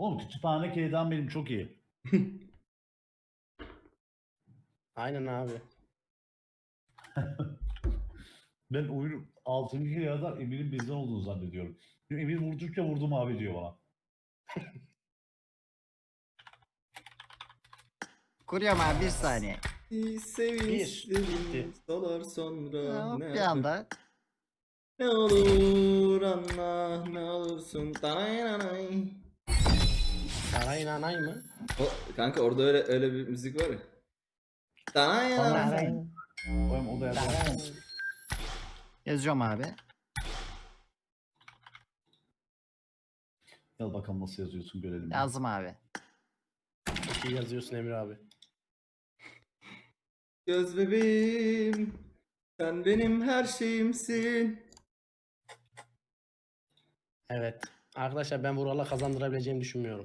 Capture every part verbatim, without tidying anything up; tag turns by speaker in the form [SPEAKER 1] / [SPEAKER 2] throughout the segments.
[SPEAKER 1] Oğlum kütüphane K'dan benim çok iyi.
[SPEAKER 2] Aynen abi.
[SPEAKER 1] Ben oyunu altıncı K'dan Emir'in bizden olduğunu zannediyorum. Çünkü Emir vurdukça vurdum abi diyor bana.
[SPEAKER 3] Kuruyorum abi bir saniye.
[SPEAKER 4] Sevinçlerim solar sonra
[SPEAKER 3] Hop,
[SPEAKER 4] ne
[SPEAKER 3] bir anda.
[SPEAKER 4] Ne olur anla ne olursun tanay.
[SPEAKER 2] Sarayın anay mı?
[SPEAKER 4] O kanka orada öyle öyle bir müzik var ya. Tanay.
[SPEAKER 2] Sarayın.
[SPEAKER 1] Oğlum o da yazar.
[SPEAKER 3] Yazıyorum abi.
[SPEAKER 1] Gel bakalım nasıl yazıyorsun görelim.
[SPEAKER 3] Yazdım abi.
[SPEAKER 2] Çok iyi yazıyorsun Emir abi.
[SPEAKER 4] Göz bebeğim sen benim her şeyimsin.
[SPEAKER 2] Evet. Arkadaşlar ben Vural'a kazandırabileceğimi düşünmüyorum.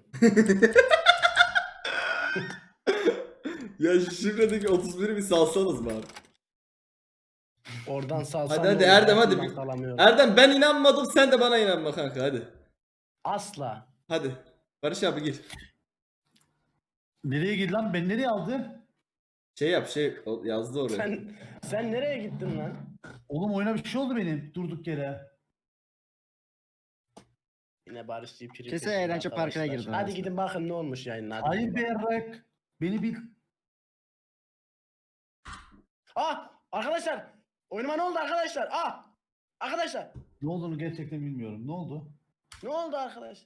[SPEAKER 4] Ya şu şifredeki otuz biri bir salsanız bari.
[SPEAKER 2] Oradan salsam
[SPEAKER 4] Hadi hadi
[SPEAKER 2] ne olur,
[SPEAKER 4] Erdem hadi.
[SPEAKER 2] altından salamıyorum.
[SPEAKER 4] Erdem ben inanmadım sen de bana inanma kanka hadi.
[SPEAKER 2] Asla.
[SPEAKER 4] Hadi. Barış abi gir.
[SPEAKER 1] Nereye girdi lan? Ben nereye aldı?
[SPEAKER 4] Şey yap şey o yazdı oraya.
[SPEAKER 2] Sen sen nereye gittin lan?
[SPEAKER 1] Oğlum oyuna bir şey oldu benim durduk yere.
[SPEAKER 2] Yine Barışçı'yı prim
[SPEAKER 3] Kesin
[SPEAKER 2] peşinde
[SPEAKER 3] eğlence parkına
[SPEAKER 2] arkadaşlar.
[SPEAKER 3] girdin
[SPEAKER 2] Hadi
[SPEAKER 3] arasında.
[SPEAKER 2] gidin bakın ne olmuş yayının. Hadi
[SPEAKER 1] Hayır
[SPEAKER 2] gidin
[SPEAKER 1] be
[SPEAKER 2] bakın.
[SPEAKER 1] yarrak. Beni bil.
[SPEAKER 2] Ah! Arkadaşlar! Oyunuma ne oldu arkadaşlar? Ah! Arkadaşlar!
[SPEAKER 1] Ne olduğunu gerçekten bilmiyorum. Ne oldu?
[SPEAKER 2] Ne oldu arkadaş?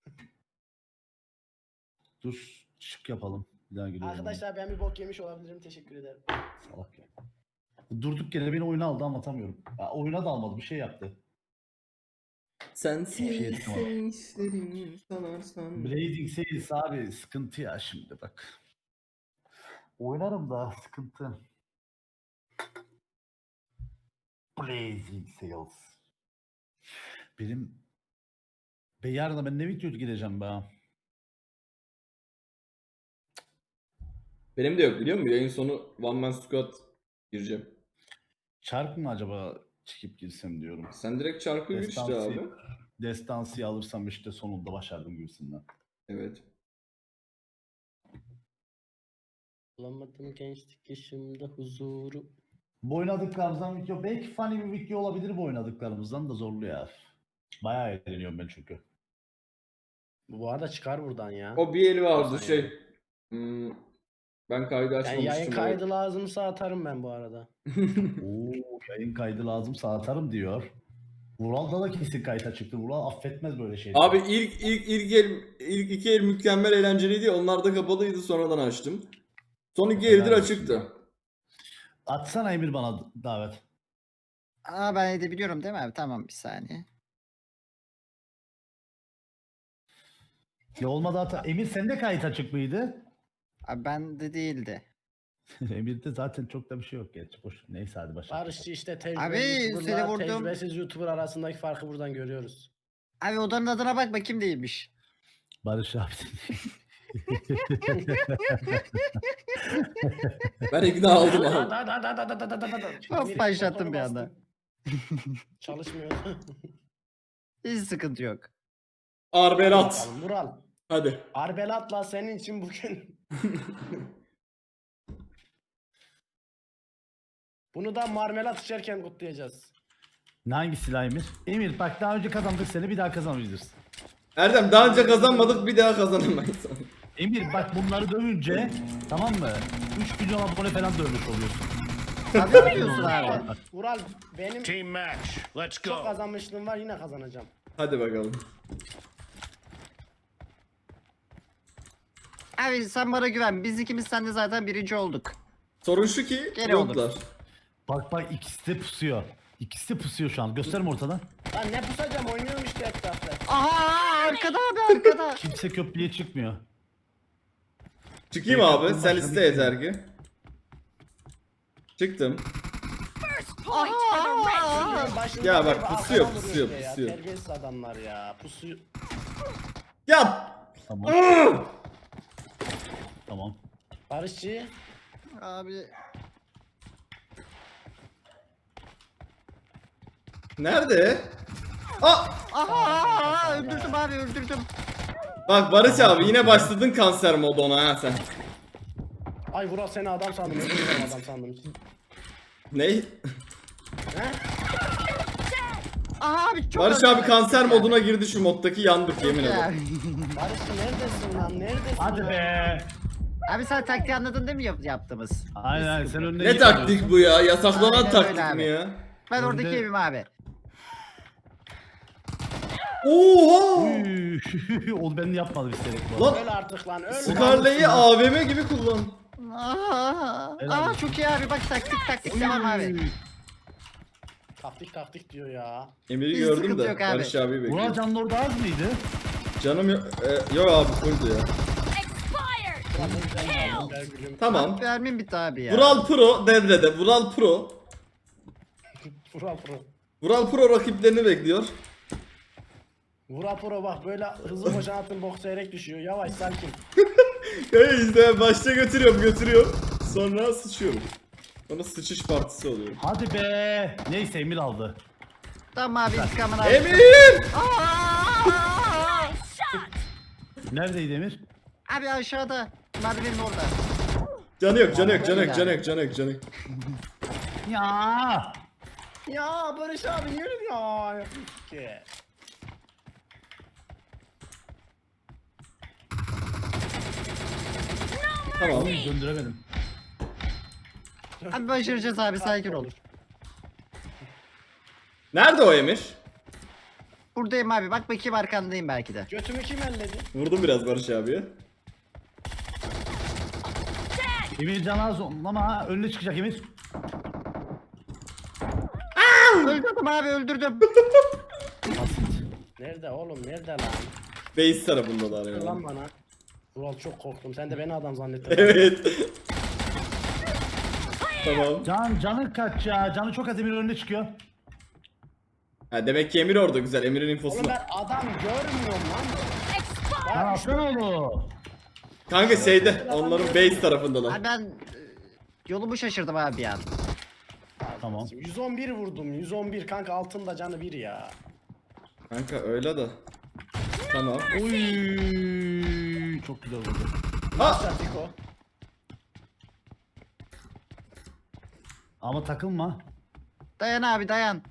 [SPEAKER 1] Dur şık yapalım. Bir daha giriyorum.
[SPEAKER 2] Arkadaşlar ben bir bok yemiş olabilirim. Teşekkür ederim.
[SPEAKER 1] Salak ya. Durduk yere beni oyuna aldı anlatamıyorum. Ya, oyuna da almadı bir şey yaptı.
[SPEAKER 4] Sensiz
[SPEAKER 1] Şey, tamam.
[SPEAKER 4] sevinçlerim sanarsan.
[SPEAKER 1] Blazing Sales abi sıkıntı ya şimdi bak. Oynarım da sıkıntı. Blazing Sales. Benim be yarın da ben ne video gireceğim be.
[SPEAKER 4] Benim de yok biliyor musun? Yayın sonu One Man Squad gireceğim.
[SPEAKER 1] Çark mı acaba çıkıp girsem diyorum.
[SPEAKER 4] Sen direkt çarkı gir işte
[SPEAKER 1] Destansı,
[SPEAKER 4] abi.
[SPEAKER 1] destansiyi alırsam işte sonunda başardım gibisinden.
[SPEAKER 4] Evet.
[SPEAKER 2] Bulamadım gençlik yaşımda huzuru.
[SPEAKER 1] Bu oynadıklarımızdan video belki funny bir video olabilir bu oynadıklarımızdan da zorlu ya. Bayağı eğleniyorum ben çünkü.
[SPEAKER 2] Bu arada çıkar buradan ya.
[SPEAKER 4] O bir eli vardı
[SPEAKER 2] Olsun
[SPEAKER 4] şey. Hmm, ben kaydı
[SPEAKER 2] Yani
[SPEAKER 4] açmamıştım.
[SPEAKER 2] yayın kaydı lazımsa atarım ben bu arada.
[SPEAKER 1] Oo, yayın kaydı lazımsa atarım diyor. Vural'da da kesin kayıta çıktı. Vural affetmez böyle şeyleri.
[SPEAKER 4] Abi ilk ilk ilk el ilk iki el mükemmel eğlenceliydi. Onlar da kapalıydı sonradan açtım. Son iki eldir
[SPEAKER 1] Helal olsun.
[SPEAKER 4] açıktı.
[SPEAKER 1] Atsana Emir bana davet.
[SPEAKER 3] Aa ben edebiliyorum değil mi abi? Tamam bir saniye.
[SPEAKER 1] Ya olmadı hata. Emir sende kayıt açık mıydı?
[SPEAKER 3] Abi bende değildi.
[SPEAKER 1] Emir'de zaten çok da bir şey yok gerçi. Boş. Neyse hadi başla.
[SPEAKER 2] Barışçı işte
[SPEAKER 3] Abi,
[SPEAKER 2] tecrübeli
[SPEAKER 3] seni
[SPEAKER 2] YouTuber'la
[SPEAKER 3] vurdum.
[SPEAKER 2] tecrübesiz YouTuber arasındaki farkı buradan görüyoruz.
[SPEAKER 3] Abi odanın adına bak bakayım değilmiş.
[SPEAKER 1] Barış abi.
[SPEAKER 4] Ben ikna oldum abi.
[SPEAKER 2] Hadi hadi hadi hadi hadi hadi hadi hadi.
[SPEAKER 3] Hop,
[SPEAKER 2] Bir
[SPEAKER 3] başlattım
[SPEAKER 2] butonu
[SPEAKER 3] bir anda.
[SPEAKER 2] bastım. Çalışmıyor.
[SPEAKER 3] Hiç sıkıntı yok.
[SPEAKER 4] Arbelat.
[SPEAKER 2] Bakalım, Vural.
[SPEAKER 4] Hadi.
[SPEAKER 2] Arbelat'la senin için bugün. Bunu da marmelat içerken kutlayacağız.
[SPEAKER 1] Hangi silah Emir? Emir bak daha önce kazandık seni bir daha kazanabiliriz.
[SPEAKER 4] Erdem daha önce kazanmadık bir daha kazanamayız.
[SPEAKER 1] Emir bak bunları dövünce tamam mı? üç milyon abone falan dövmüş oluyorsun.
[SPEAKER 3] Tabii mi diyorsun abi?
[SPEAKER 2] Vural benim
[SPEAKER 5] Team match. Let's
[SPEAKER 2] çok
[SPEAKER 5] go.
[SPEAKER 2] kazanmışlığım var yine kazanacağım.
[SPEAKER 4] Hadi bakalım.
[SPEAKER 3] Abi sen bana güven. Biz ikimiz sende zaten birinci olduk.
[SPEAKER 4] Sorun şu ki
[SPEAKER 3] Gene
[SPEAKER 4] yoklar.
[SPEAKER 1] Bak bak ikisi de pusuyor. İkisi de pusuyor şu an. Gösterme ortadan.
[SPEAKER 2] Lan ne pusacağım oynuyorum işte etrafta.
[SPEAKER 3] Aha arkada abi arkada.
[SPEAKER 1] Kimse köprüye çıkmıyor.
[SPEAKER 4] Çıkayım abi sen iste yeter ki. Çıktım.
[SPEAKER 3] Aha.
[SPEAKER 2] Başında
[SPEAKER 4] Ya bak,
[SPEAKER 2] bir
[SPEAKER 4] pusuyor,
[SPEAKER 2] arkadan
[SPEAKER 4] pusuyor,
[SPEAKER 2] vuruyor işte ya.
[SPEAKER 4] pusuyor.
[SPEAKER 2] Terbiyesiz adamlar ya. Pusuyor.
[SPEAKER 4] Yap.
[SPEAKER 1] Tamam. Tamam.
[SPEAKER 2] Barışçı.
[SPEAKER 3] Abi
[SPEAKER 4] Nerede? Aa!
[SPEAKER 3] aha öldürdüm abi öldürdüm.
[SPEAKER 4] Bak Barış abi yine başladın kanser moduna ha sen.
[SPEAKER 2] Ay Vural seni adam sandım. Özür dilerim adam sandım.
[SPEAKER 4] Ne?
[SPEAKER 2] He?
[SPEAKER 3] Aha abi çok
[SPEAKER 4] Barış
[SPEAKER 3] öldü.
[SPEAKER 4] abi kanser moduna girdi şu moddaki yandık yemin ederim.
[SPEAKER 2] Barış neredesin lan? Neredesin?
[SPEAKER 1] Hadi
[SPEAKER 2] ya?
[SPEAKER 1] be.
[SPEAKER 3] Abi sen taktiği anladın değil mi yap- yaptığımız?
[SPEAKER 1] Aynen aynen sen önüne
[SPEAKER 4] Ne
[SPEAKER 1] iyi
[SPEAKER 4] taktik
[SPEAKER 1] kalıyorsun.
[SPEAKER 4] bu ya? Yasaklanan
[SPEAKER 3] Aynen öyle
[SPEAKER 4] taktik
[SPEAKER 3] abi.
[SPEAKER 4] mi ya?
[SPEAKER 3] Ben
[SPEAKER 1] Önde-
[SPEAKER 3] oradaki evim abi.
[SPEAKER 4] Oha!
[SPEAKER 1] Üy, O ben yapmadım isterek bu.
[SPEAKER 4] Lan
[SPEAKER 2] Öl artık lan öl.
[SPEAKER 4] Scarlet'i A V M gibi kullan.
[SPEAKER 3] Aa,
[SPEAKER 1] Helal
[SPEAKER 3] aa
[SPEAKER 1] olsun.
[SPEAKER 3] çok iyi abi bak taktik taktik devam abi.
[SPEAKER 1] Üy.
[SPEAKER 2] Taktik taktik diyor ya.
[SPEAKER 4] Emir'i
[SPEAKER 3] Hiç
[SPEAKER 4] gördüm
[SPEAKER 3] sıkıntı
[SPEAKER 4] de
[SPEAKER 3] yok abi.
[SPEAKER 4] Barış abi
[SPEAKER 1] Vural
[SPEAKER 4] bekliyor.
[SPEAKER 1] Can'ın orada az mıydı?
[SPEAKER 4] Canım yok. E, yok abi fulldu ya.
[SPEAKER 2] Ulan ne güzel aldın be gülüm.
[SPEAKER 4] Tamam.
[SPEAKER 3] Vermin bitti abi ya.
[SPEAKER 4] Vural Pro devrede. Vural Pro.
[SPEAKER 2] Vural Pro.
[SPEAKER 4] Vural Pro rakiplerini bekliyor.
[SPEAKER 2] Vural Pro bak böyle hızlı koşan atın bok seyrek düşüyor. Yavaş sakin.
[SPEAKER 4] Hey işte başta götürüyorum götürüyorum. Sonra sıçıyorum. Sonra sıçış partisi oluyor.
[SPEAKER 1] Hadi be. Neyse Emir aldı.
[SPEAKER 3] Tamam abi intikamını aldım.
[SPEAKER 4] Emir!
[SPEAKER 3] Aa!
[SPEAKER 1] Neredeydi Emir?
[SPEAKER 3] Abi aşağıda. Merdivenin orada.
[SPEAKER 4] Canı yok canı yok canı yok canı yok canı yok canı yok.
[SPEAKER 1] Ya.
[SPEAKER 2] Ya Barış abi niye öyle ya? Ki.
[SPEAKER 4] Tamam.
[SPEAKER 1] Oy, döndüremedim.
[SPEAKER 3] Abi başaracağız abi sakin ol.
[SPEAKER 4] Nerede o Emir?
[SPEAKER 3] Buradayım abi bak bakayım arkandayım belki de.
[SPEAKER 2] Götümü kim elledi?
[SPEAKER 4] Vurdum biraz Barış abiye.
[SPEAKER 1] Emir Can az ama önüne çıkacak Emir.
[SPEAKER 3] Öldürdüm abi öldürdüm.
[SPEAKER 2] Nerede oğlum nerede lan?
[SPEAKER 4] Base tarafındalar
[SPEAKER 2] Dur
[SPEAKER 4] ya.
[SPEAKER 2] lan bana. Vural çok korktum. Sen de beni adam zannettin.
[SPEAKER 4] Evet. Tamam.
[SPEAKER 1] Can canı kaç ya? Canı çok az Emir önüne çıkıyor.
[SPEAKER 4] Ha, demek ki Emir orada güzel. Emir'in
[SPEAKER 2] Oğlum
[SPEAKER 4] infosunu.
[SPEAKER 2] ben adam görmüyorum lan.
[SPEAKER 1] Lan
[SPEAKER 2] Ya
[SPEAKER 1] atsana onu.
[SPEAKER 4] Kanka şeyde onların base tarafındalar.
[SPEAKER 3] Abi ben e, yolumu şaşırdım abi ya.
[SPEAKER 1] Tamam.
[SPEAKER 2] yüz on bir vurdum. yüz on bir kanka altında canı bir ya.
[SPEAKER 4] Kanka öyle de. Tamam.
[SPEAKER 1] Uy, çok güzel oldu.
[SPEAKER 4] Ha!
[SPEAKER 2] Başla Fiko.
[SPEAKER 1] Ama takılma.
[SPEAKER 3] Dayan abi dayan.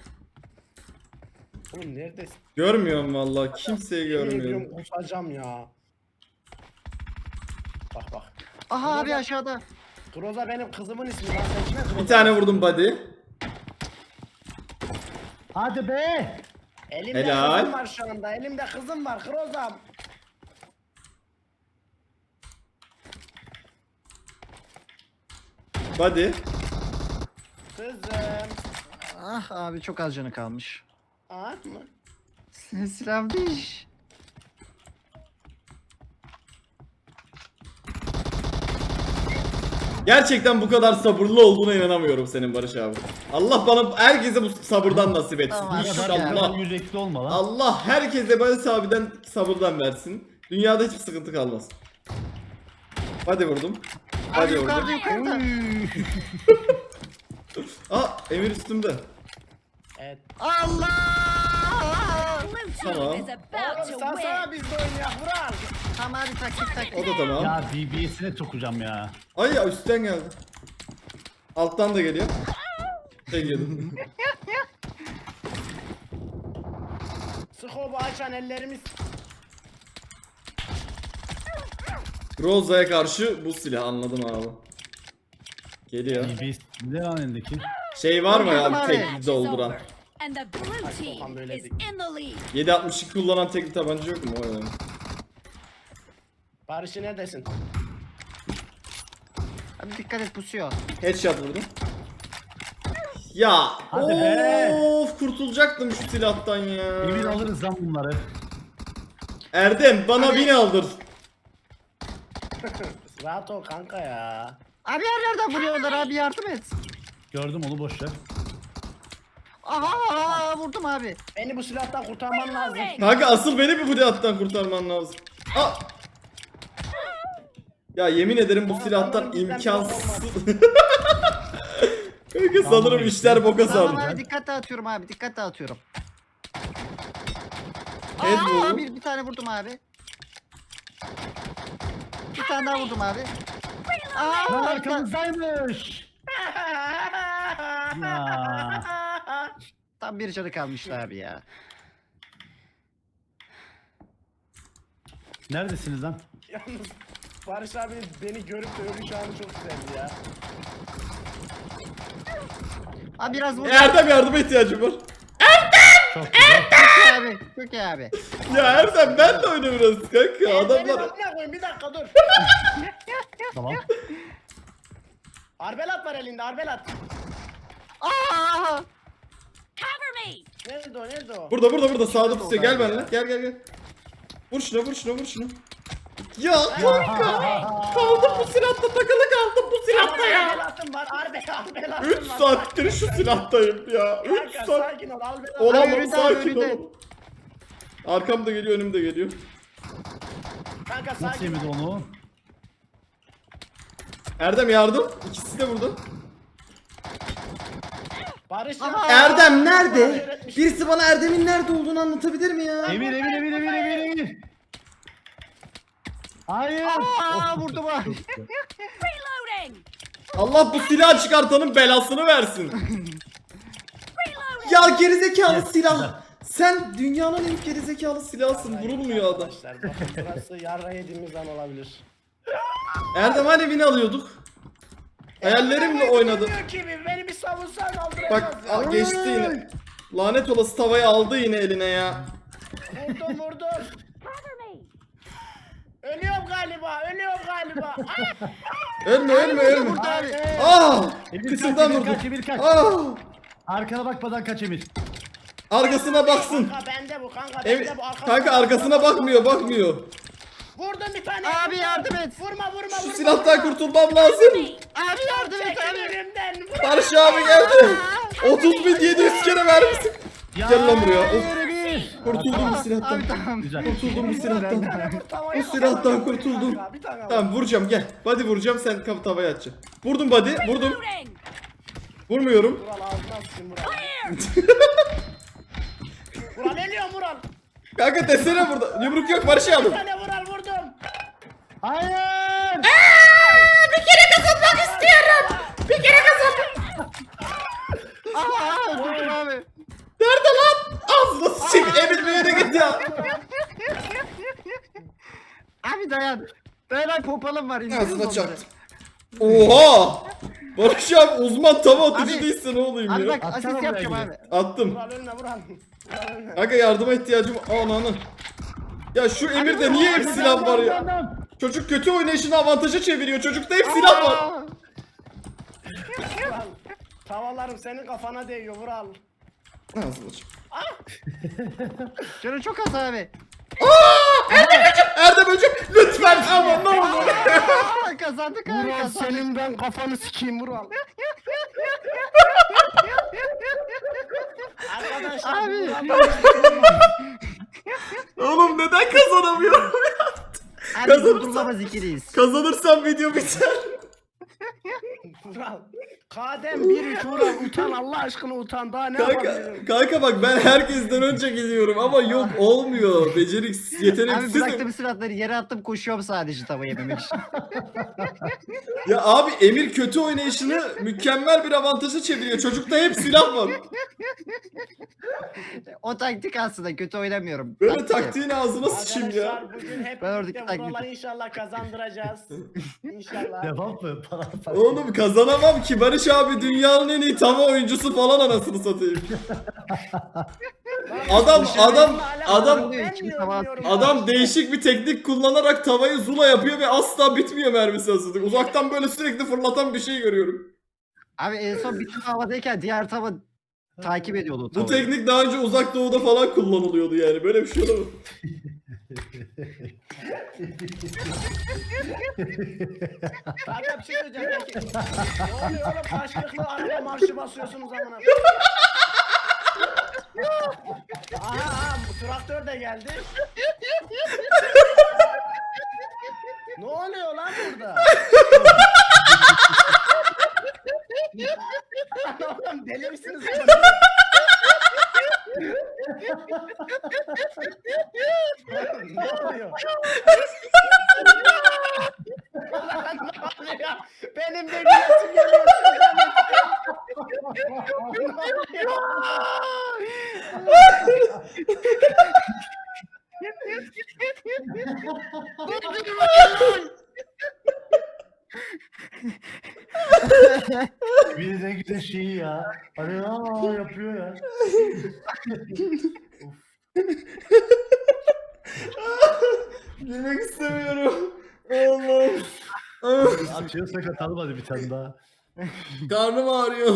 [SPEAKER 2] Oğlum neredesin?
[SPEAKER 4] Görmüyorum vallahi. Kimseyi
[SPEAKER 2] Yemin
[SPEAKER 4] görmüyorum.
[SPEAKER 2] ediyorum kusacağım ya. Bak bak.
[SPEAKER 3] Aha abi aşağıda.
[SPEAKER 2] Groza benim kızımın ismi lan. Sen kime Groza?
[SPEAKER 4] Bir tane vurdum body.
[SPEAKER 1] Hadi be.
[SPEAKER 2] Elimde
[SPEAKER 4] Helal.
[SPEAKER 2] kızım var şu anda. Elimde kızım var. Groza'm.
[SPEAKER 4] Body.
[SPEAKER 2] Kızım.
[SPEAKER 3] Ah abi çok az canı kalmış.
[SPEAKER 2] At mı?
[SPEAKER 3] Silahım diş.
[SPEAKER 4] Gerçekten bu kadar sabırlı olduğuna inanamıyorum senin Barış abi. Allah bana herkese bu sabırdan nasip etsin.
[SPEAKER 3] Tamam,
[SPEAKER 1] Bu kadar, bu
[SPEAKER 4] İnşallah.
[SPEAKER 1] kadar yürekli olma lan.
[SPEAKER 4] Allah herkese Barış abiden sabırdan versin. Dünyada hiçbir sıkıntı kalmaz. Hadi vurdum.
[SPEAKER 3] Abi
[SPEAKER 4] Hadi
[SPEAKER 3] yukarıda
[SPEAKER 4] vurdum.
[SPEAKER 3] yukarıda.
[SPEAKER 4] Aa Emir üstümde.
[SPEAKER 2] Evet.
[SPEAKER 3] Allah!
[SPEAKER 4] Tamam.
[SPEAKER 2] Oğlum sen sana biz de oynayak Vural.
[SPEAKER 3] Tamam abi taktik taktik.
[SPEAKER 4] O da tamam.
[SPEAKER 1] Ya B B S'ine sokacağım ya.
[SPEAKER 4] Ay ya üstten geldi. Alttan da geliyor. Şey geldi.
[SPEAKER 2] Skobu açan ellerimiz.
[SPEAKER 4] Roza'ya karşı bu silah anladım abi. Geliyor.
[SPEAKER 1] B B S ne lan elindeki?
[SPEAKER 4] Şey var mı
[SPEAKER 3] Anladım
[SPEAKER 4] ya
[SPEAKER 3] abi.
[SPEAKER 4] tek dolduran?
[SPEAKER 5] And the blue
[SPEAKER 2] Sokan
[SPEAKER 5] team
[SPEAKER 2] böyle
[SPEAKER 5] is
[SPEAKER 2] değil.
[SPEAKER 5] in the lead.
[SPEAKER 4] yedi altmış iki kullanan tekli tabanca yok mu? O önemli.
[SPEAKER 2] Barış'ı neredesin?
[SPEAKER 3] Abi dikkat et pusuyor.
[SPEAKER 4] Headshot vurdum. Ya
[SPEAKER 1] Hadi be.
[SPEAKER 4] of kurtulacaktım şu silahtan ya.
[SPEAKER 1] Emir alırız lan bunları.
[SPEAKER 4] Erdem bana
[SPEAKER 3] Hadi.
[SPEAKER 4] bin aldır.
[SPEAKER 2] Rahat ol kanka ya.
[SPEAKER 3] Abi yerlerden vuruyorlar abi yardım et.
[SPEAKER 1] Gördüm onu boş ver.
[SPEAKER 3] Aha vurdum abi.
[SPEAKER 2] Beni bu silahtan kurtarman lazım.
[SPEAKER 4] Kanka asıl beni bir bu silahtan kurtarman lazım. Aa! Ya yemin ederim bu
[SPEAKER 2] Ama
[SPEAKER 4] silahtan
[SPEAKER 2] sanırım bizden
[SPEAKER 4] imkansız.
[SPEAKER 2] bir
[SPEAKER 4] Kanka sanırım
[SPEAKER 1] Tamam,
[SPEAKER 4] işler boka
[SPEAKER 3] Tamam
[SPEAKER 4] sardı.
[SPEAKER 3] abi dikkat dağıtıyorum abi dikkat dağıtıyorum.
[SPEAKER 4] Head
[SPEAKER 3] Aa,
[SPEAKER 4] vurdum.
[SPEAKER 3] bir, bir tane vurdum abi. tane daha vurdum abi. Aa,
[SPEAKER 1] Lan
[SPEAKER 3] arka-
[SPEAKER 1] arkamızdaymış. Ya.
[SPEAKER 3] Tam bir canı kalmıştı abi ya.
[SPEAKER 1] Neredesiniz lan?
[SPEAKER 2] Yalnız Barış abi beni görüp de ölüş anı çok güzeldi ya.
[SPEAKER 3] Abi biraz vur.
[SPEAKER 4] Erdem yardıma ihtiyacım var.
[SPEAKER 1] Çok güzel.
[SPEAKER 3] Çok iyi abi. Çok iyi abi.
[SPEAKER 4] Ya Erdem ben de oyna biraz kanka.
[SPEAKER 2] Benim
[SPEAKER 4] Adamlar...
[SPEAKER 2] amına koyayım, bir dakika dur.
[SPEAKER 1] Tamam.
[SPEAKER 2] Arbelat var elinde, arbelat.
[SPEAKER 3] Aa!
[SPEAKER 5] Cover me!
[SPEAKER 2] Nerede o, nerede o?
[SPEAKER 4] Burada burada burada sağda
[SPEAKER 3] Nerede
[SPEAKER 4] pusuyor.
[SPEAKER 3] o
[SPEAKER 4] Gel
[SPEAKER 3] abi
[SPEAKER 4] benimle.
[SPEAKER 3] ya?
[SPEAKER 4] Gel gel gel. Vur şuna vur şuna vur şuna. Ya kanka. Kaldım bu silahta takılı kaldım bu silahta ya.
[SPEAKER 2] Arbelatım var, arbe, arbelatım
[SPEAKER 4] üç
[SPEAKER 2] var.
[SPEAKER 4] saattir şu silahtayım ya. üç
[SPEAKER 2] Kanka
[SPEAKER 4] saat.
[SPEAKER 2] sakin ol, arbelat.
[SPEAKER 4] Olamam
[SPEAKER 3] önünde,
[SPEAKER 4] sakin
[SPEAKER 3] önünde.
[SPEAKER 4] ol. Arkam da geliyor önüm de geliyor.
[SPEAKER 2] Kanka
[SPEAKER 1] Nasıl
[SPEAKER 2] sakin
[SPEAKER 1] yemedi
[SPEAKER 2] ol.
[SPEAKER 1] onu?
[SPEAKER 4] Erdem yardım. İkisi de burada.
[SPEAKER 2] Barış
[SPEAKER 3] Aha.
[SPEAKER 2] ya.
[SPEAKER 4] Erdem
[SPEAKER 2] Bana
[SPEAKER 4] nerede?
[SPEAKER 2] öğretmiş.
[SPEAKER 4] Birisi bana Erdem'in nerede olduğunu anlatabilir mi ya?
[SPEAKER 1] Emir, Emir, Emir, Emir, Emir, Emir. Hayır.
[SPEAKER 3] Aa, vurdum abi.
[SPEAKER 5] Reloading!
[SPEAKER 4] Allah bu silahı çıkartanın belasını versin. Ya gerizekalı
[SPEAKER 1] Yes,
[SPEAKER 4] silah.
[SPEAKER 1] güzel.
[SPEAKER 4] Sen dünyanın en gerizekalı silahsın. Vurulmuyor adam.
[SPEAKER 2] Arkadaşlar bakın burası yarra yediğimiz an olabilir.
[SPEAKER 4] Erdem hani beni alıyorduk. Hayallerimle oynadı.
[SPEAKER 2] Bilmiyor ki bir- beni bir savunsan aldıracağız
[SPEAKER 4] Bak
[SPEAKER 2] ya.
[SPEAKER 4] al, geçti yine. Lanet olası tavayı aldı yine eline ya.
[SPEAKER 2] Vurdum vurdum.
[SPEAKER 5] Cover me!
[SPEAKER 2] Ölüyorum galiba, ölüyorum galiba. Ah!
[SPEAKER 4] Ölme ölme ölme.
[SPEAKER 3] Vurdu abi.
[SPEAKER 4] Ah!
[SPEAKER 1] Emir
[SPEAKER 4] Kıçından
[SPEAKER 1] kaç, Emir
[SPEAKER 4] vurdu.
[SPEAKER 1] kaç, Emir kaç.
[SPEAKER 4] Ah!
[SPEAKER 1] Arkana bakmadan kaç Emir.
[SPEAKER 4] Arkasına baksın.
[SPEAKER 2] Kanka bende bu, kanka bende
[SPEAKER 4] Emir,
[SPEAKER 2] bu. Arkasına
[SPEAKER 4] kanka arkasına bakmıyor bakmıyor.
[SPEAKER 2] Vurdum bir tane.
[SPEAKER 3] Abi yardım et.
[SPEAKER 2] Vurma vurma
[SPEAKER 4] Şu
[SPEAKER 2] vurma.
[SPEAKER 4] silahtan kurtulmam lazım.
[SPEAKER 3] Abi yardım et
[SPEAKER 2] Çekil
[SPEAKER 3] abi.
[SPEAKER 2] önümden. Vur.
[SPEAKER 4] Barış abi geldi. otuz bin yedi yüz kere vermişsin. Gel lan buraya. Of,
[SPEAKER 1] Hayır Emir.
[SPEAKER 4] kurtuldum bu silahtan.
[SPEAKER 3] Abi tamam.
[SPEAKER 1] Güzel.
[SPEAKER 4] Kurtuldum bu
[SPEAKER 2] Bir
[SPEAKER 4] silahtan.
[SPEAKER 2] tane vur, tavayı
[SPEAKER 4] Bu silahtan
[SPEAKER 2] al.
[SPEAKER 4] kurtuldum.
[SPEAKER 2] Kanka, bir tane al.
[SPEAKER 4] Tamam vuracağım gel. Body vuracağım sen kapı tavaya atacaksın. Vurdum body vurdum.
[SPEAKER 5] Reloading!
[SPEAKER 4] Vurmuyorum.
[SPEAKER 2] Vural ağzına sıçayım Vural.
[SPEAKER 5] Clear!
[SPEAKER 2] Vural ölüyorum Vural.
[SPEAKER 4] Kanka desene burada. Yumruk yok Barış
[SPEAKER 2] Bir
[SPEAKER 4] aldım.
[SPEAKER 2] tane Vural vurdum.
[SPEAKER 1] Hayır.
[SPEAKER 4] Bir kere kazanmak istiyorum. Bir kere kazanmak.
[SPEAKER 3] Aa, vurdum abi.
[SPEAKER 4] Nerede lan? Ağzına sıçayım. Emir bir yere git ya.
[SPEAKER 3] Abi dayan. Dayan popalım var. indiririz
[SPEAKER 4] Ağzına
[SPEAKER 3] onları.
[SPEAKER 4] çaktım. Oha. Barış abi uzman tava atıcı
[SPEAKER 3] Abi-
[SPEAKER 4] değilse ne olayım
[SPEAKER 3] Abi
[SPEAKER 4] ya.
[SPEAKER 3] bak
[SPEAKER 1] Atsana
[SPEAKER 3] asist
[SPEAKER 1] buraya
[SPEAKER 3] yapacağım
[SPEAKER 1] gidip.
[SPEAKER 3] abi.
[SPEAKER 4] Attım.
[SPEAKER 2] Vural ölme Vural. Vural ölme.
[SPEAKER 4] Kanka yardıma ihtiyacım ananı. Ya şu Emir'de niye hep silah var ya? Çocuk kötü oynayışını avantaja çeviriyor. Çocukta hep silah var.
[SPEAKER 3] Aa,
[SPEAKER 2] Vural. Tavalarım senin kafana değiyor Vural.
[SPEAKER 4] Ağzına çak.
[SPEAKER 3] Canı çok az abi.
[SPEAKER 4] Erdem hocam lütfen ama ne olur.
[SPEAKER 3] Aa, kazandık abi
[SPEAKER 2] Vural
[SPEAKER 3] kazandık.
[SPEAKER 2] senin ben kafanı sikeyim Vural. Arkadaşlar
[SPEAKER 3] Abi.
[SPEAKER 2] Vural-
[SPEAKER 4] Oğlum neden kazanamıyorum?
[SPEAKER 3] Abi
[SPEAKER 4] Kazanırsa-
[SPEAKER 3] durdurulamaz ikiliyiz.
[SPEAKER 4] Kazanırsam video biter.
[SPEAKER 2] Vural. Kadem bir üç Vural utan Allah aşkına utan daha ne
[SPEAKER 4] Kanka,
[SPEAKER 2] yapabilirim?
[SPEAKER 4] kanka bak ben herkesten önce gidiyorum ama yok olmuyor. Beceriksiz,
[SPEAKER 3] Abi
[SPEAKER 4] yeteneksizim.
[SPEAKER 3] bıraktım silahları yere attım koşuyorum sadece tava yememek için.
[SPEAKER 4] Ya abi Emir kötü oynayışını mükemmel bir avantaja çeviriyor. Çocukta hep silah var.
[SPEAKER 3] O taktik aslında kötü oynamıyorum.
[SPEAKER 4] Böyle
[SPEAKER 3] Taktik yap.
[SPEAKER 4] taktiğin ağzına sıçayım ya.
[SPEAKER 2] Arkadaşlar bugün hep
[SPEAKER 3] Ben oradaki
[SPEAKER 2] birlikte Vural'a
[SPEAKER 3] taktiği-
[SPEAKER 2] inşallah kazandıracağız. İnşallah.
[SPEAKER 1] Devam mı? Para para.
[SPEAKER 4] Oğlum kazanamam ki Barış abi dünyanın en iyi tava oyuncusu falan anasını satayım. Adam adam adam
[SPEAKER 2] Ben
[SPEAKER 3] İçim
[SPEAKER 2] diyorum,
[SPEAKER 3] tava-
[SPEAKER 2] diyorum.
[SPEAKER 4] adam değişik bir teknik kullanarak tavayı zula yapıyor ve asla bitmiyor mermisi aslında. Uzaktan böyle sürekli fırlatan bir şey görüyorum.
[SPEAKER 3] Abi en son bir tava havadayken diğer tava takip ediyordu o
[SPEAKER 4] Bu
[SPEAKER 3] tavayı.
[SPEAKER 4] teknik daha önce uzak doğuda falan kullanılıyordu yani. Böyle bir şey olamaz.
[SPEAKER 2] Kanka bir şey söyleyeceğim. Peki. Ne oluyor oğlum? Karşılıklı araba marşı basıyorsunuz amına. Aha, aha bu traktör de geldi. Ne oluyor lan burada? Oğlum deli misiniz? Ne oluyor? Benim de gülesim geliyor.
[SPEAKER 1] Bir de güzel şeyi ya. Hani aa yapıyor ya.
[SPEAKER 4] Gülmek istemiyorum. Allah'ım.
[SPEAKER 1] Atıyorsak atalım hadi bir tane daha.
[SPEAKER 4] Karnım ağrıyor.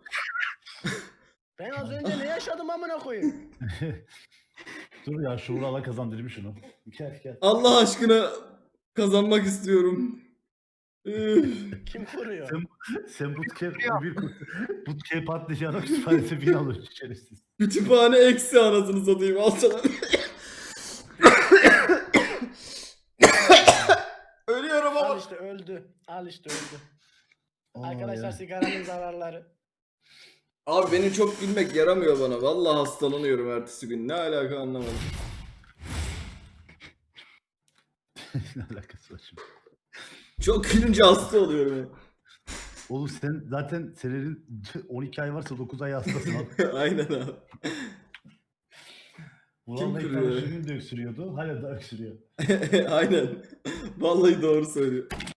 [SPEAKER 2] Ben az önce ne yaşadım amına koyayım?
[SPEAKER 1] Dur ya şu Vural'a kazandırayım şunu. Gel gel.
[SPEAKER 4] Allah aşkına kazanmak istiyorum. Üf.
[SPEAKER 2] Kim vuruyor?
[SPEAKER 1] Sen, sen bootcamp, bir bootcamp atlayacağına kütüphanesi bin alır şerefsiz.
[SPEAKER 4] Kütüphane eksi anasını satayım. Al sana. Ölüyorum
[SPEAKER 2] Al
[SPEAKER 4] ama.
[SPEAKER 2] işte öldü. Al işte öldü.
[SPEAKER 1] Aa,
[SPEAKER 2] Arkadaşlar
[SPEAKER 1] ya.
[SPEAKER 2] sigaranın zararları.
[SPEAKER 4] Abi benim çok gülmek yaramıyor bana. Vallahi hastalanıyorum ertesi gün. Ne alaka anlamadım.
[SPEAKER 1] Ne alakası var şimdi?
[SPEAKER 4] Çok gülünce hasta oluyorum ya.
[SPEAKER 1] Oğlum sen zaten senenin on iki ay varsa dokuz ay hastasın abi.
[SPEAKER 4] Aynen abi.
[SPEAKER 1] Vural'la ilk
[SPEAKER 4] kırıyor?
[SPEAKER 1] tanıştığım gün de öksürüyordu. Hala da öksürüyor.
[SPEAKER 4] Aynen. Vallahi doğru söylüyor.